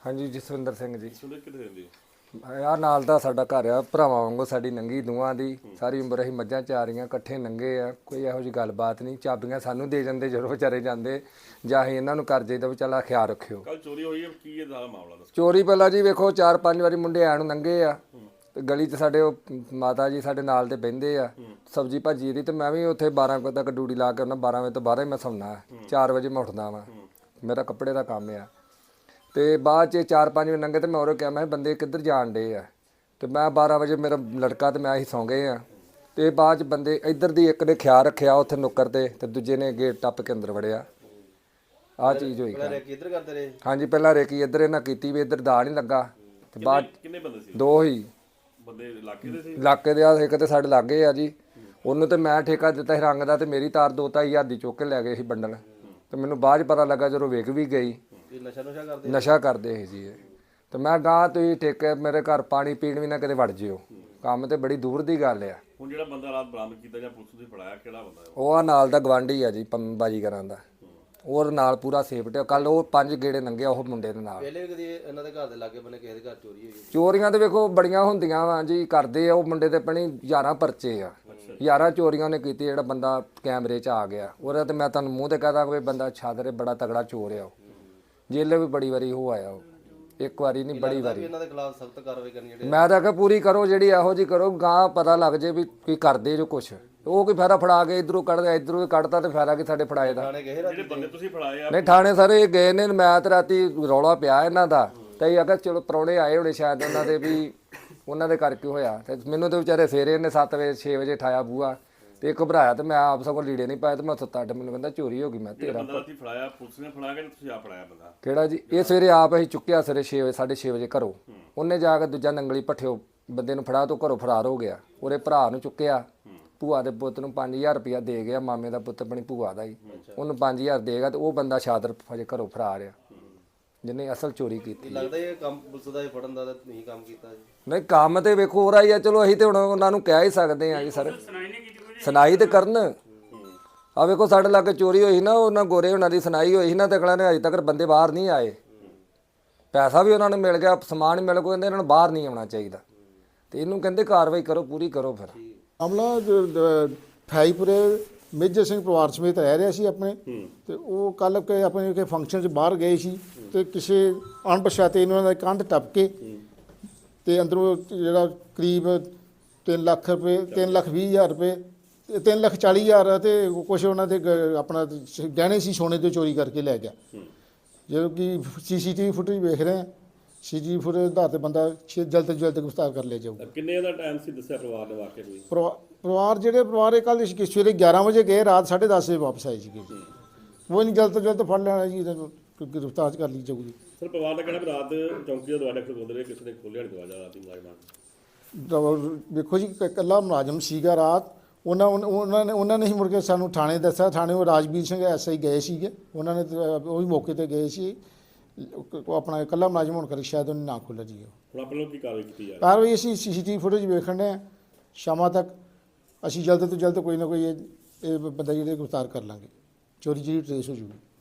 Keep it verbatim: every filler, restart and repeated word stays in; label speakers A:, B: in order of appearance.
A: हाँ जी जसविंदर सिंह जी।
B: ਸੁਣਦੇ ਕਿੱਥੇ ਰਹਿੰਦੇ ਹੋ?
A: यार नाल दा साडा घर आ, भरावां वांगू साडी नंगी दूहां दी सारी उम्र असीं मੱਝਾਂ ਚਾਰੀਆਂ ਇਕੱਠੇ ਨੰਗੇ ਆ, ਕੋਈ ਇਹੋ ਜਿਹੀ ਗੱਲਬਾਤ ਨਹੀਂ। ਚਾਬੀਆਂ ਸਾਨੂੰ ਦੇ ਜਾਂਦੇ ਜਦੋਂ ਵਿਚਾਰੇ ਜਾਂਦੇ, ਜਾਂ ਅਸੀਂ ਇਹਨਾਂ ਨੂੰ ਕਰ ਜਾਈਦਾ ਵੀ ਚੱਲ ਖਿਆਲ ਰੱਖਿਓ।
B: ਕੱਲ ਚੋਰੀ ਹੋਈ ਹੈ, ਕੀ ਇਹ ਸਾਰਾ ਮਾਮਲਾ ਦੱਸੋ?
A: ਚੋਰੀ ਪਹਿਲਾਂ ਜੀ ਵੇਖੋ ਚਾਰ ਪੰਜ ਵਾਰੀ ਮੁੰਡੇ ਆਣ ਨੂੰ ਨੰਗੇ ਆ ਤੇ ਗਲੀ 'ਚ ਸਾਡੇ ਉਹ ਮਾਤਾ ਜੀ ਸਾਡੇ ਨਾਲ ਤੇ ਬਹਿੰਦੇ ਆ ਸਬਜ਼ੀ ਭਾਜੀ ਦੀ, ਤੇ ਮੈਂ ਵੀ ਉੱਥੇ ਬਾਰਾਂ ਵਜੇ ਤੱਕ ਡਿਊਟੀ ਲਾ ਕੇ ਉਹਨਾਂ ਬਾਰਾਂ ਵਜੇ ਤੋਂ ਬਾਅਦ ਹੀ ਮੈਂ ਸੌਣਾ, ਚਾਰ ਵਜੇ ਮੈਂ ਉੱਠਦਾ ਵਾਂ, ਮੇਰਾ ਕੱਪੜੇ ਦਾ ਕੰਮ ਆ। ਤੇ ਬਾਅਦ 'ਚ ਚਾਰ ਪੰਜ ਵਜੇ ਨੰਗੇ ਤੇ ਮੈਂ ਉਹਨੂੰ ਕਿਹਾ ਮੈਂ ਬੰਦੇ ਕਿੱਧਰ ਜਾਣ ਡੇ ਆ, ਤੇ ਮੈਂ ਬਾਰਾਂ ਵਜੇ ਮੇਰਾ ਲੜਕਾ ਤੇ ਮੈਂ ਅਸੀਂ ਸੌਂ ਗਏ ਆ। ਤੇ ਬਾਅਦ 'ਚ ਬੰਦੇ ਇੱਧਰ ਦੀ ਇੱਕ ਨੇ ਖਿਆਲ ਰੱਖਿਆ ਉੱਥੇ ਨੁੱਕਰ ਤੇ, ਤੇ ਦੂਜੇ ਨੇ ਗੇਟ ਟੱਪ ਕੇ ਅੰਦਰ ਵੜਿਆ। ਆਹ ਚੀਜ਼ ਹੋਈ।
C: ਕਿੱਧਰ ਕਰਦੇ ਰਹੇ?
A: ਹਾਂਜੀ ਪਹਿਲਾਂ ਰੇਕੀ ਇੱਧਰ ਇਹਨਾਂ ਕੀਤੀ ਵੀ ਇੱਧਰ ਦਾ ਨਹੀਂ ਲੱਗਾ, ਤੇ ਬਾਅਦ
B: ਕਿੰਨੇ ਬੰਦੇ ਸੀ?
A: ਦੋ ਹੀ
B: ਬੰਦੇ ਇਲਾਕੇ ਦੇ ਸੀ?
A: ਇਲਾਕੇ ਦੇ ਆ, ਇੱਕ ਤੇ ਸਾਡੇ ਲਾਗੇ ਆ ਜੀ, ਉਹਨੂੰ ਤੇ ਮੈਂ ਠੇਕਾ ਦਿੱਤਾ ਸੀ ਰੰਗ ਦਾ, ਤੇ ਮੇਰੀ ਤਾਰ ਦੋ ਢਾਈ ਹਜ਼ਾਰ ਦੀ ਚੁੱਕ ਕੇ ਲੈ ਗਏ ਸੀ ਬੰਡਲ। ਤੇ ਮੈਨੂੰ ਬਾਅਦ 'ਚ ਪਤਾ ਲੱਗਾ ਜਦੋਂ ਵਿਕ ਵੀ ਗਈ।
C: ਨਸ਼ਾ ਨੁਸ਼ਾ ਕਰਦੇ?
A: ਨਸ਼ਾ ਕਰਦੇ ਸੀ ਜੀ ਇਹ। ਤੇ ਮੈਂ ਗਾਂ ਤੁਸੀਂ ਠੇਕੇ ਮੇਰੇ ਘਰ ਪਾਣੀ ਪੀਣ ਵੀ ਨਾ ਕਿਤੇ ਵੜ ਜਿਓ, ਕੰਮ ਤੇ ਬੜੀ ਦੂਰ ਦੀ ਗੱਲ ਆ।
B: ਹੁਣ ਜਿਹੜਾ ਬੰਦਾ ਰਾਤ ਬਰਾਮਦ ਕੀਤਾ ਜਾਂ ਪੁਲਿਸ ਨੇ ਫੜਾਇਆ, ਕਿਹੜਾ ਬੰਦਾ ਹੈ?
A: ਉਹ ਆ ਨਾਲ ਦਾ ਗਵਾਂਢੀ ਆ ਜੀ ਬਾਜੀ ਕਰਾਂ ਦਾ, ਉਹ ਨਾਲ ਪੂਰਾ ਸੇਫਟੀ। ਕੱਲ ਉਹ ਪੰਜ ਗੇੜੇ ਲੰਘਿਆ ਉਹ ਮੁੰਡੇ ਦੇ ਨਾਲ।
C: ਪਹਿਲੇ ਵੀ ਕਦੀ ਇਹਨਾਂ ਦੇ ਘਰ ਦੇ ਲਾਗੇ ਬੰਨੇ ਕਿਸੇ ਦੇ ਘਰ ਚੋਰੀ ਹੋਈ?
A: ਚੋਰੀਆਂ ਤੇ ਵੇਖੋ ਬੜੀਆਂ ਹੁੰਦੀਆਂ ਵਾ ਜੀ, ਕਰਦੇ ਆ ਉਹ ਮੁੰਡੇ ਤੇ ਪਣੀ ਯਾਰਾਂ ਪਰਚੇ ਆ, ਯਾਰਾਂ ਚੋਰੀਆਂ ਨੇ ਕੀਤੀ। ਜਿਹੜਾ ਬੰਦਾ ਕੈਮਰੇ 'ਚ ਆ ਗਿਆ ਉਹਦਾ ਤੇ ਮੈਂ ਤੁਹਾਨੂੰ ਮੂੰਹ ਤੇ ਕਹਦਾ ਕੋਈ ਬੰਦਾ ਛਾਦਰੇ ਬੜਾ ਤਗੜਾ ਚੋਰ ਆ, ਉਹ ਜੇਲੇ ਵੀ ਬੜੀ ਵਾਰੀ ਹੋ ਆਇਆ, ਉਹ ਇੱਕ ਵਾਰੀ ਨਹੀਂ ਬੜੀ ਵਾਰੀ।
C: ਇਹਨਾਂ ਦੇ ਖਿਲਾਫ ਸਖਤ ਕਾਰਵਾਈ ਕਰਨੀ ਜਿਹੜੀ
A: ਮੈਂ ਤਾਂ ਕਿਹਾ ਪੂਰੀ ਕਰੋ ਜਿਹੜੀ ਇਹੋ ਜੀ ਕਰੋ, ਗਾਂ ਪਤਾ ਲੱਗ ਜੇ ਵੀ ਕੀ ਕਰਦੇ ਜੋ ਕੁਛ। ਉਹ ਕੋਈ ਫਾਇਦਾ ਫੜਾ ਕੇ ਇਧਰੋਂ ਕੱਢਦਾ ਇਧਰੋਂ ਕੱਢਦਾ, ਤੇ ਫਾਇਦਾ ਕੀ ਸਾਡੇ ਫੜਾਏ ਦਾ।
C: ਥਾਣੇ ਗਏ ਰਾਤੀ?
B: ਜਿਹੜੇ ਬੰਦੇ ਤੁਸੀਂ ਫੜਾਏ ਆ
A: ਨਹੀਂ ਥਾਣੇ ਸਾਰੇ ਇਹ ਗਏ ਨੇ, ਮੈਂ ਤੇ ਰਾਤੀ ਰੌਲਾ ਪਿਆ ਇਹਨਾਂ ਦਾ, ਤੇ ਇਹ ਅਗਰ ਚਲੋ ਪ੍ਰਾਹੁਣੇ ਆਏ ਹੋਣੇ ਸ਼ਾਇਦ ਉਹਨਾਂ ਦੇ ਵੀ, ਉਹਨਾਂ ਦੇ ਕਰਕੇ ਹੋਇਆ। ਤੇ ਮੈਨੂੰ ਤੇ ਵਿਚਾਰੇ ਸਵੇਰੇ ਇਹਨੇ ਸੱਤ ਵਜੇ ਛੇ ਵਜੇ ਠਾਇਆ ਬੂਆ, ਤੇ ਘਬਰਾਇਆ, ਤੇ ਮੈਂ ਆਪ ਸਗੋਂ ਲੀੜੇ ਨਹੀਂ ਪਾਏ, ਤੇ ਮੈਂ ਸੁੱਤਾ ਅੱਡ, ਮੈਨੂੰ ਕਹਿੰਦਾ ਚੋਰੀ ਹੋ ਗਈ। ਮੈਂ ਤੇਰਾ
B: ਬੰਦਾ ਰਾਤੀ ਫੜਾਇਆ ਪੁਲਿਸ ਨੇ ਫੜਾ ਕੇ, ਤੁਸੀਂ ਆ ਫੜਾਇਆ ਬੰਦਾ
A: ਕਿਹੜਾ ਜੀ? ਇਹ ਸਵੇਰੇ ਆਪ ਅਸੀਂ ਚੁੱਕਿਆ ਸਵੇਰੇ ਛੇ ਵਜੇ ਸਾਢੇ ਛੇ ਵਜੇ ਘਰੋਂ, ਉਹਨੇ ਜਾ ਕੇ ਦੂਜਾ ਨੰਗਲੀ ਪੱਠਿਓ ਬੰਦੇ ਨੂੰ ਫੜਾ ਤੋਂ ਘਰੋਂ ਫਰਾਰ ਹੋ ਗਿਆ। ਉਹਦੇ ਭਰਾ ਨੂੰ ਚੁੱਕਿਆ, ਭੂਆ ਦੇ ਪੁੱਤ ਨੂੰ ਪੰਜ ਹਜ਼ਾਰ ਰੁਪਇਆ ਦੇ ਗਿਆ, ਮਾਮੇ ਦਾ ਪੁੱਤ ਆਪਣੀ ਭੂਆ ਦਾ ਹੀ, ਉਹਨੂੰ ਪੰਜ ਹਜ਼ਾਰ ਦੇਗਾ, ਤੇ ਉਹ ਬੰਦਾ ਸ਼ਾਦਰ ਹਜੇ ਘਰੋਂ ਫਰਾਰ ਆ ਜਿਹਨੇ ਅਸਲ ਚੋਰੀ ਕੀਤੀ।
C: ਲੱਗਦਾ ਇਹ ਕੰਮ ਪੁਲਿਸ ਦਾ ਫੜਨ ਦਾ ਨਹੀਂ ਕੰਮ ਕੀਤਾ ਜੀ?
A: ਨਹੀਂ ਕੰਮ ਤੇ ਵੇਖੋ ਹੋ ਰਿਹਾ ਹੀ ਆ, ਚਲੋ ਅਸੀਂ ਤੇ ਹੁਣ ਉਹਨਾਂ ਨੂੰ ਕਹਿ ਹੀ ਸਕਦੇ ਆ ਜੀ ਸਰ, ਸੁਣਾਈ ਤੇ ਕਰਨ। ਆ ਵੇਖੋ ਸਾਡੇ ਲਾਗੇ ਚੋਰੀ ਹੋਈ ਨਾ, ਉਹਨਾਂ ਗੋਰੇ ਉਹਨਾਂ ਦੀ ਸੁਣਾਈ ਹੋਈ ਸੀ ਨਾ, ਤੇ ਅਗਲਾ ਨੇ ਅਜੇ ਤੱਕ ਬੰਦੇ ਬਾਹਰ ਨਹੀਂ ਆਏ। ਪੈਸਾ ਵੀ ਉਹਨਾਂ ਨੂੰ ਮਿਲ ਗਿਆ, ਸਮਾਨ ਮਿਲ ਗਿਆ, ਕਹਿੰਦੇ ਇਹਨਾਂ ਨੂੰ ਬਾਹਰ ਨਹੀਂ ਆਉਣਾ ਚਾਹੀਦਾ, ਤੇ ਇਹਨੂੰ ਕਹਿੰਦੇ ਕਾਰਵਾਈ ਕਰੋ, ਪੂਰੀ ਕਰੋ। ਫਿਰ
D: ਮਾਮਲਾ ਫਾਈਪੁਰੇ ਮੇਜਰ ਸਿੰਘ ਪਰਿਵਾਰ ਸਮੇਤ ਰਹਿ ਰਿਹਾ ਸੀ ਆਪਣੇ, ਤੇ ਉਹ ਕੱਲ ਕੇ ਆਪਣੇ ਕੇ ਫੰਕਸ਼ਨ 'ਚ ਬਾਹਰ ਗਏ ਸੀ, ਤੇ ਕਿਸੇ ਅਣਪਛਾਤੇ ਇਹਨਾਂ ਦਾ ਕੰਧ ਟੱਪ ਕੇ ਤੇ ਅੰਦਰੋਂ ਜਿਹੜਾ ਕਰੀਬ ਤਿੰਨ ਲੱਖ ਰੁਪਏ ਤਿੰਨ ਲੱਖ ਵੀਹ ਹਜ਼ਾਰ ਰੁਪਏ ਤਿੰਨ ਲੱਖ ਚਾਲੀ ਹਜ਼ਾਰ ਤੇ ਕੁਛ ਉਹਨਾਂ ਦੇ ਗ- ਆਪਣਾ ਗਹਿਣੇ ਸੀ ਸੋਨੇ ਦੇ ਚੋਰੀ ਕਰਕੇ ਲੈ ਗਿਆ। ਜਦੋਂ ਕਿ ਸੀ ਸੀ ਟੀ ਵੀ ਫੁਟੇਜ ਵੇਖ ਰਹੇ ਹਾਂ, ਸੀ ਜੀ ਫੁਟੇਜ ਦੇ ਆਧਾਰ 'ਤੇ ਬੰਦਾ ਛੇ ਜਲਦ ਤੋਂ ਜਲਦ ਗ੍ਰਿਫਤਾਰ ਕਰ ਲਿਆ ਜਾਊਗਾ।
B: ਕਿੰਨੇ ਦਾ ਟਾਈਮ ਸੀ ਦੱਸਿਆ ਪਰਿਵਾਰ ਨੇ ਵਾਕਿਆ ਕੋਈ?
D: ਪਰਿਵਾ- ਪਰਿਵਾਰ ਜਿਹੜੇ ਪਰਿਵਾਰ ਇਹ ਕੱਲ੍ਹ ਸਵੇਰੇ ਗਿਆਰਾਂ ਵਜੇ ਗਏ, ਰਾਤ ਸਾਢੇ ਦਸ ਵਜੇ ਵਾਪਸ ਆਏ ਸੀਗੇ। ਉਹ ਨਹੀਂ ਜਲਦ ਤੋਂ ਜਲਦ ਫੜ ਲੈਣਾ ਜੀ, ਇਹਨਾਂ ਨੂੰ ਗ੍ਰਿਫਤਾਰ ਕਰ ਲਈ ਜਾਊਗੀ।
B: ਸਰ ਪਰਿਵਾਰ ਦਾ ਕਹਿਣਾ ਵੀ ਰਾਤ ਚੌਂਕੀ ਦਾ ਦਰਵਾਜ਼ਾ ਖੋਲ੍ਹਦੇ ਰਹੇ, ਕਿਸੇ ਨੇ ਖੋਲ੍ਹਿਆ ਨਹੀਂ ਦਰਵਾਜ਼ਾ ਰਾਤੀ ਮੁਲਾਜ਼ਮਾਂ ਨੇ।
D: ਦੇਖੋ ਜੀ ਇਕੱਲਾ ਮੁਲਾਜ਼ਮ ਸੀਗਾ ਰਾਤ, ਉਹਨਾਂ ਉਹਨਾਂ ਨੇ ਉਹਨਾਂ ਨੇ ਹੀ ਮੁੜ ਕੇ ਸਾਨੂੰ ਥਾਣੇ ਦੱਸਿਆ। ਥਾਣੇ ਉਹ ਰਾਜਵੀਰ ਸਿੰਘ ਐਸ ਆਈ ਗਏ ਸੀਗੇ, ਉਹਨਾਂ ਨੇ ਉਹ ਵੀ ਮੌਕੇ 'ਤੇ ਗਏ ਸੀ। ਉਹ ਆਪਣਾ ਇਕੱਲਾ ਮੁਲਾਜ਼ਮ ਹੋਣ ਕਰਕੇ ਸ਼ਾਇਦ ਉਹਨੇ ਨਾ ਖੋਲ੍ਹਿਆ ਜੀ।
B: ਹੁਣ ਆਪਣੇ ਲੋਕ ਕੀ ਕਾਰਵਾਈ ਕੀਤੀ ਜਾ ਰਹੀ?
D: ਕਾਰਵਾਈ ਅਸੀਂ ਸੀ ਸੀ ਟੀ ਵੀ ਫੁਟੇਜ ਵੇਖਣ ਦੇ ਹਾਂ, ਸ਼ਾਮਾਂ ਤੱਕ ਅਸੀਂ ਜਲਦ ਤੋਂ ਜਲਦ ਕੋਈ ਨਾ ਕੋਈ ਇਹ ਇਹ ਬੰਦਾ ਜਿਹੜੇ ਗ੍ਰਿਫਤਾਰ ਕਰ ਲਾਂਗੇ, ਚੋਰੀ ਜਿਹੜੀ ਟਰੇਸ ਹੋ ਜੂਗੀ।